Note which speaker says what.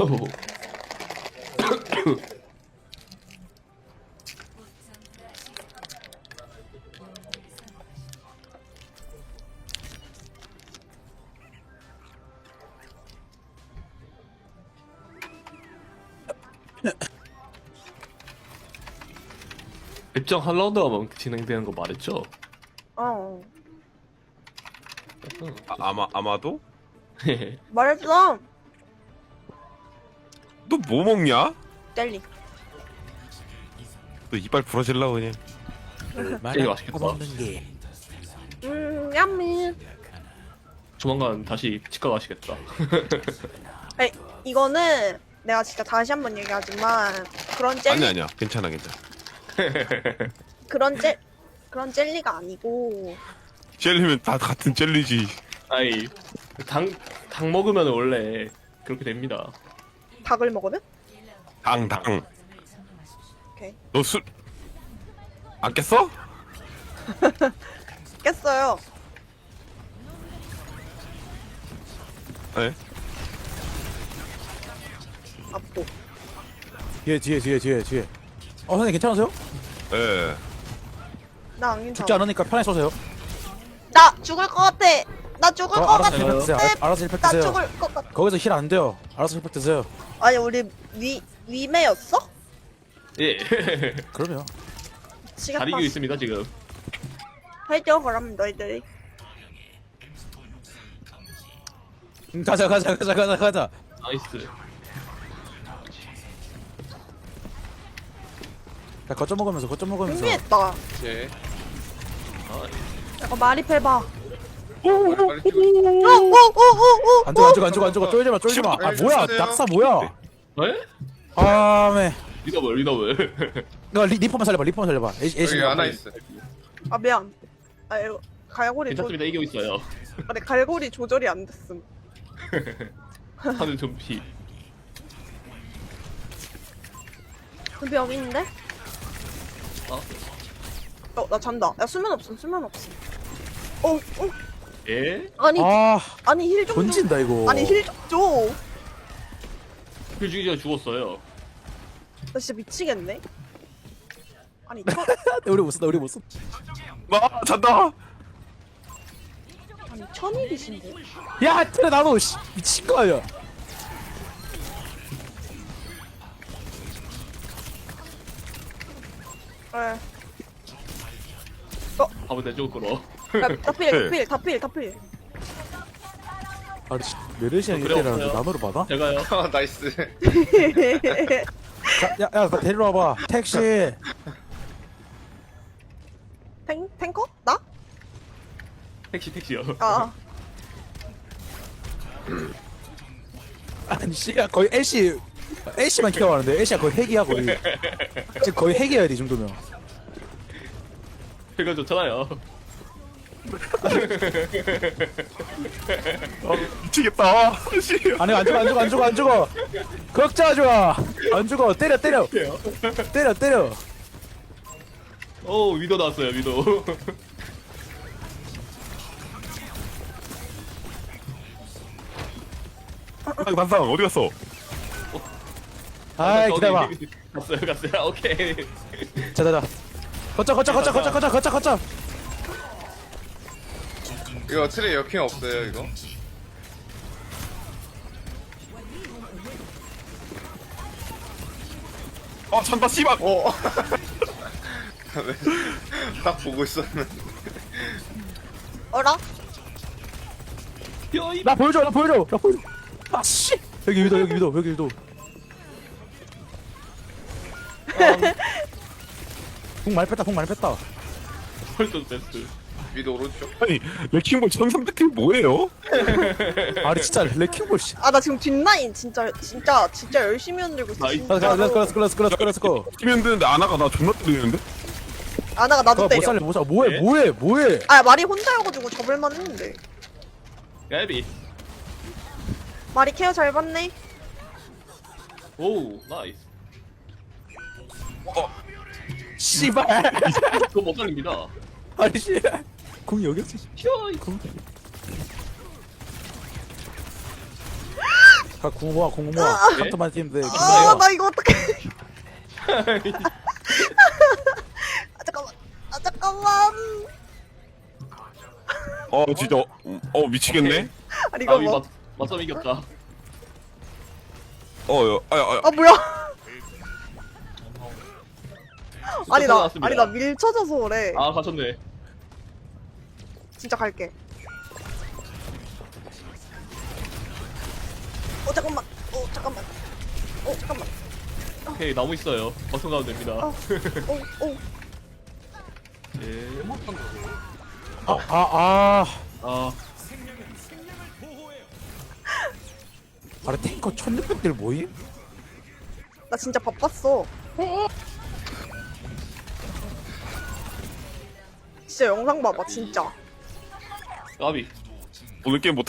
Speaker 1: 일정 한 라운드 하면 진행되는 거 말했죠?
Speaker 2: 어.
Speaker 3: 아마도?
Speaker 2: 말했어.
Speaker 3: 너 뭐 먹냐?
Speaker 2: 젤리.
Speaker 3: 너 이빨 부러질라 그냥.
Speaker 1: 제일 맛있겠다.
Speaker 2: 얌미.
Speaker 1: 조만간 다시 치과 가시겠다.
Speaker 2: 아니, 이거는 내가 진짜 다시 한번 얘기하지만 그런 젤리
Speaker 3: 아니야 괜찮아.
Speaker 2: 그런 젤리가 아니고
Speaker 3: 젤리면 다 같은 젤리지.
Speaker 1: 아이, 당 먹으면 원래 그렇게 됩니다.
Speaker 2: 닭을 먹으면?
Speaker 3: 당.
Speaker 2: 오케이.
Speaker 3: 너 술 안 깼어?
Speaker 2: 깼어요.
Speaker 3: 네.
Speaker 2: 압도.
Speaker 4: 뒤에. 선생님 괜찮으세요?
Speaker 3: 예.
Speaker 2: 나 안
Speaker 4: 죽지
Speaker 2: 괜찮아.
Speaker 4: 않으니까 편하게 쏘세요.
Speaker 2: 나 죽을 것 같아. 나 죽을 것
Speaker 4: 알아서
Speaker 2: 같아.
Speaker 4: 힐팩 드세요. 알아서 힐팩
Speaker 2: 나
Speaker 4: 드세요.
Speaker 2: 죽을 것 같아.
Speaker 4: 거기서 힐 안 돼요. 알아서 힐팩 드세요.
Speaker 2: 아니 우리 위메였어?
Speaker 1: 예.
Speaker 4: 그럼요.
Speaker 2: 미치겠다.
Speaker 1: 잘 이기고 있습니다 지금.
Speaker 2: 해줘 그럼 너희들이.
Speaker 4: 가자.
Speaker 1: 나이스.
Speaker 4: 자, 거점 먹으면서.
Speaker 2: 준비했다.
Speaker 5: 예.
Speaker 1: 아,
Speaker 2: 약간 말입해봐.
Speaker 5: 빨리 찍어.
Speaker 2: 오오오오오.
Speaker 4: 안 죽어. 쫄지 마. 아, 뭐야? 낙사 뭐야?
Speaker 1: 에?
Speaker 4: 아,
Speaker 1: 리더블.
Speaker 4: 너 리퍼만 살려봐.
Speaker 5: 여기 하나 있어.
Speaker 2: 아 미안. 아 이거 갈고리
Speaker 1: 괜찮습니다. 이기고 있어요.
Speaker 2: 아니 갈고리 조절이 안 됐음.
Speaker 1: 하늘 좀비.
Speaker 2: 준비 여기 있는데?
Speaker 1: 어?
Speaker 2: 나 잔다. 야 수면 없음. 어.
Speaker 1: 예?
Speaker 2: 아니 힐 좀 줘.
Speaker 4: 던진다 이거.
Speaker 2: 아니 힐 좀 줘.
Speaker 1: 그 죽이가 죽었어요.
Speaker 2: 나 진짜 미치겠네. 아니
Speaker 4: 우리 못 쓴다.
Speaker 3: 잔다.
Speaker 2: 아니 천일이신데.
Speaker 4: 야, 트레 나도 미친 거 아니야?
Speaker 2: 에.
Speaker 1: 밥은 내 쪽으로 끌어.
Speaker 2: 다필.
Speaker 4: 아, 메르시안
Speaker 1: 그래,
Speaker 4: 이때라는데
Speaker 1: 없어요.
Speaker 4: 나노를 받아?
Speaker 1: 제가요.
Speaker 5: 아, 나이스.
Speaker 4: 야, 나 데리러 와봐. 택시.
Speaker 2: 탱커? 나?
Speaker 1: 택시요.
Speaker 2: 아.
Speaker 4: 아니, 씨야 거의 애쉬만 키워하는데 애쉬가 거의 핵이야 거의. 지금 거의 핵이야 이 정도면.
Speaker 1: 그거 좋잖아요.
Speaker 3: 미치겠다. 씨.
Speaker 4: 아니 안 죽어. 걱정하지 마. 안 죽어. 때려.
Speaker 1: 오, 위도 나왔어요, 위도.
Speaker 3: 반상 어디 갔어?
Speaker 4: 아이 기다려봐.
Speaker 1: 갔어요. 오케이.
Speaker 4: 자자자. 거쳐.
Speaker 5: 이거 트레 역행 없어요, 이거?
Speaker 3: 잔다 씨발.
Speaker 5: 딱 보고 있었는데.
Speaker 2: 어라?
Speaker 1: 뼈이.
Speaker 4: 나 보여줘. 아 씨. 여기 위도. 궁 많이 뺐다.
Speaker 1: 헐ton 테스트.
Speaker 5: 위도 오른쪽.
Speaker 3: 아니 레킹볼 1300킬 뭐예요?
Speaker 4: 아니 진짜 레킹볼 씨.
Speaker 2: 아 나 지금 뒷라인 진짜 열심히 흔들고 있어.
Speaker 1: 나이스.
Speaker 2: 진짜로.
Speaker 4: 렛츠고.
Speaker 3: 팀이 드는데 아나가 나 존나 때리는데?
Speaker 2: 아나가 나도
Speaker 4: 못
Speaker 2: 때려.
Speaker 4: 살려 못 살려. 뭐해?
Speaker 2: 아 말이 혼자여가지고 접을만 했는데.
Speaker 1: 야비.
Speaker 2: 말이 케어 잘 받네.
Speaker 1: 오, 나이스.
Speaker 4: 씨발.
Speaker 1: 그거 못 살립니다.
Speaker 4: 아니 씨. 궁이 여기였지.
Speaker 1: 뼈이.
Speaker 4: 궁 모아 궁 모아 한턴만 뛰면 돼.
Speaker 2: 아, 나 이거 어떡해. 아, 잠깐만. 아, 잠깐만.
Speaker 3: 진짜 미치겠네.
Speaker 2: 아니, 이거
Speaker 1: 아위
Speaker 2: 뭐.
Speaker 1: 맞싸움 이겼다.
Speaker 2: 아, 뭐야. 아니, 나
Speaker 1: 나왔습니다.
Speaker 2: 밀쳐져서 그래.
Speaker 1: 아 가셨네.
Speaker 2: 진짜 갈게. 잠깐만. 잠깐만. 잠깐만.
Speaker 1: 오케이 나무 있어요. 벗어나면 됩니다.
Speaker 2: 어.
Speaker 1: 예.
Speaker 4: 아
Speaker 1: 아
Speaker 4: 아래 탱커 1600들 모임?
Speaker 2: 나 진짜 바빴어. 진짜 영상 봐봐, 진짜.
Speaker 1: 까비.
Speaker 3: 오늘 게임 못